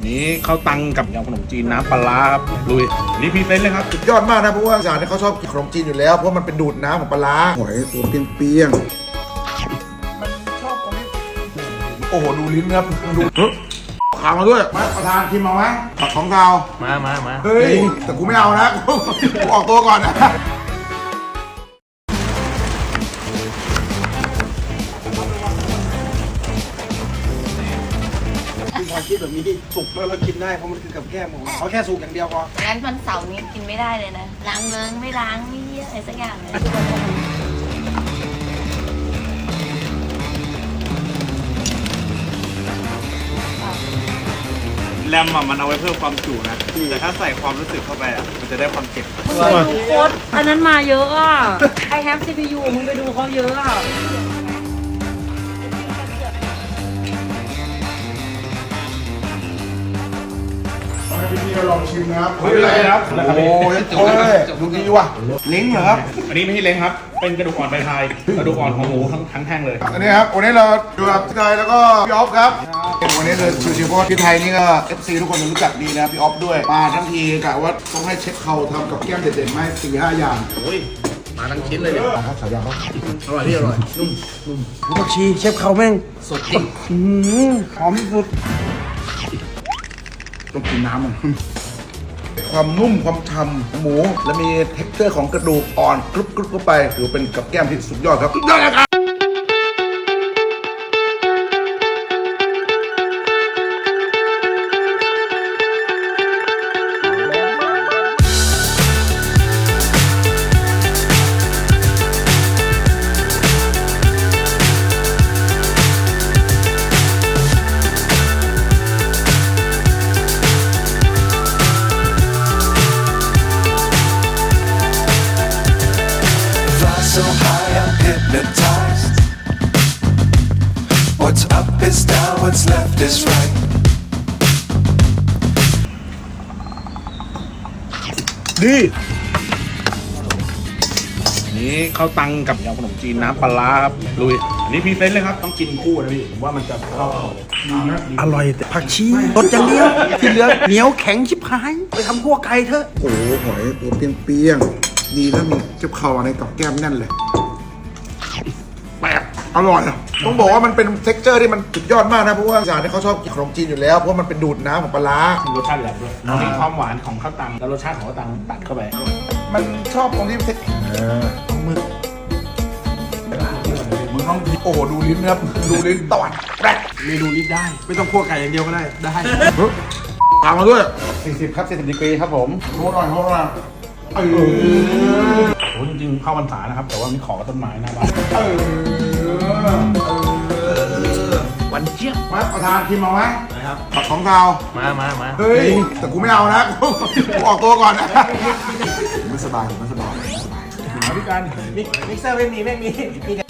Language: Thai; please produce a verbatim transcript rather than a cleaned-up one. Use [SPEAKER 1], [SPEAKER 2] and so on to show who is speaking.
[SPEAKER 1] นี้ข้าวตังกับยำขนมจีนน้ำปลาครับลุยนี่พรีเซนต์เลยครับ
[SPEAKER 2] สุดยอดมากนะเพราะว่าอีสานเนี่ยเขาชอบกินขนมจีนอยู่แล้วเพราะมันเป็นดูดน้ำของปลาร้าหอยตัวเปียงๆมันชอบตรงนี้โอ้โหดูลิ้นครับดูขามาด้วยมาประธานชิมมาไหมผักของเรา
[SPEAKER 1] มามามา
[SPEAKER 2] เฮ้ยแต่กูไม่เอานะกูออกตัวก่อนนะความคิดแบบนี้สุกแล้วเรากินได้เพราะมันคือกับแก้มผมเขาแค่สุกอย่างเดียวพอ
[SPEAKER 3] งั้นวันเสาร์นี้กินไม่ได้เลยนะล้างเลิ้งไม่ล้างไม่เยี่ยอะไรสักอย่างเลย
[SPEAKER 4] แรมอ่ะมันเอาไว้เพิ่มความจุนะแต่ถ้าใส่ความรู้สึกเข้าไปอ่ะมันจะได้ความเจ็บ
[SPEAKER 5] มึงไปดูโค้ดอันนั้นมาเยอะอ่ะ I have ซี พี ยู มึงไปดูเขาเยอะอ่ะ
[SPEAKER 2] ให้พี่ๆลองชิมนะครับ
[SPEAKER 1] ไม่เป็นไรครับ
[SPEAKER 2] โอ้ยโอ้ยดูดีว่ะเล้งเหรอครับ
[SPEAKER 1] อันนี้ไม่ใช่เล้งครับเป็นกระดูกอ่อนใบพายกระดูกอ่อนของหมูทั้งทั้งแท่งเลย
[SPEAKER 2] อันนี้ครับวันนี้เราอยู่กับพี่ไทยแล้วก็พี่ออฟครับวันนี้เลยชิวๆเพราะพี่ไทยนี่ก็ เอฟ ซี ทุกคนรู้จักดีนะพี่ออฟด้วยมาทั้งทีกะว่าต้องให้เช็คเขาทำกับแก้มเด็ดๆไหมสี่ห้าอย่าง
[SPEAKER 1] โอ้ยมาทั้งชิ้นเลยเนี่ย
[SPEAKER 2] ครับสายยางครับ
[SPEAKER 1] อร่อยพี่อร่อยนุ่ม
[SPEAKER 2] ผักชีเชฟเขาแม่ง
[SPEAKER 1] สดจริง
[SPEAKER 2] หอมสุดต้องกินน้ำมันความนุ่มความฉ่ำของหมูและมีเท็กเจอร์ของกระดูกอ่อนกรุบกรุบเข้าไปถือเป็นกับแก้มที่สุดยอดครับสุดยอดเลยครับ
[SPEAKER 6] So high, I'm hypnotized. What's up is down, what's left is right.
[SPEAKER 2] ดี
[SPEAKER 1] นี้ข้าวตังกับยำขนมจีนน้ำปลาครับลุยอันนี้พรีเซนต์เลยครับต้องกินคู่นะพี่ผมว่ามันจะเข้า
[SPEAKER 7] อร่อยแต่ผักชีรสอย่างเดียวที่เหลือเหนียวแข็งชิบหายไปทำคั่วไก่เถอะ
[SPEAKER 2] โอ้โหหอยตัวเปียงๆดีแล้วมีเจ็บเข่าในกับแก้มแน่นเลยแปลกอร่อยอ่ะต้องบอกว่ามันเป็นเท็กเจอร์ที่มันสุดยอดมากนะเพราะว่าอีสานเนี่ยเขาชอบกินขนมจีนอยู่แล้วเพราะมันเป็นดูดน้ำของปลาร้า
[SPEAKER 1] รสชาติแหลมด้วยมีความหวานของข้าวตังแล้วรสชาติของข้าวตังตัดเข้าไป
[SPEAKER 2] มันชอบตรงที่เท็กมึงมึงต้องโอ้โหดูลิ้นนะครับดูลิ้นตอดแปลก
[SPEAKER 4] เมนูนี้ได้ ไม่ต้องคั่วไก่อย่างเดียวก็ได้ได้
[SPEAKER 2] ตามมาด้วย
[SPEAKER 1] สี่สิบครับสี่สิบดีกรีครับผม
[SPEAKER 2] โทษหน่อยโทษหน่อยเออ
[SPEAKER 1] โอ้จริงๆเข้าพรรษานะครับแต่ว่ามีขอกับต้นไม้หน้าบ้าน
[SPEAKER 2] เออ
[SPEAKER 1] วันเจี๊ยบ
[SPEAKER 2] มาประธานชิมมาไหมนะครับผักของเรา
[SPEAKER 1] มามามา
[SPEAKER 2] เฮ้ยแต่กูไม่เอานะกูออกตัวก่อนนะไม่สบายไม่สบายไม่สบาย
[SPEAKER 1] มาด้วยกัน
[SPEAKER 4] มิกเซอร์ไม่มีไม่มีมี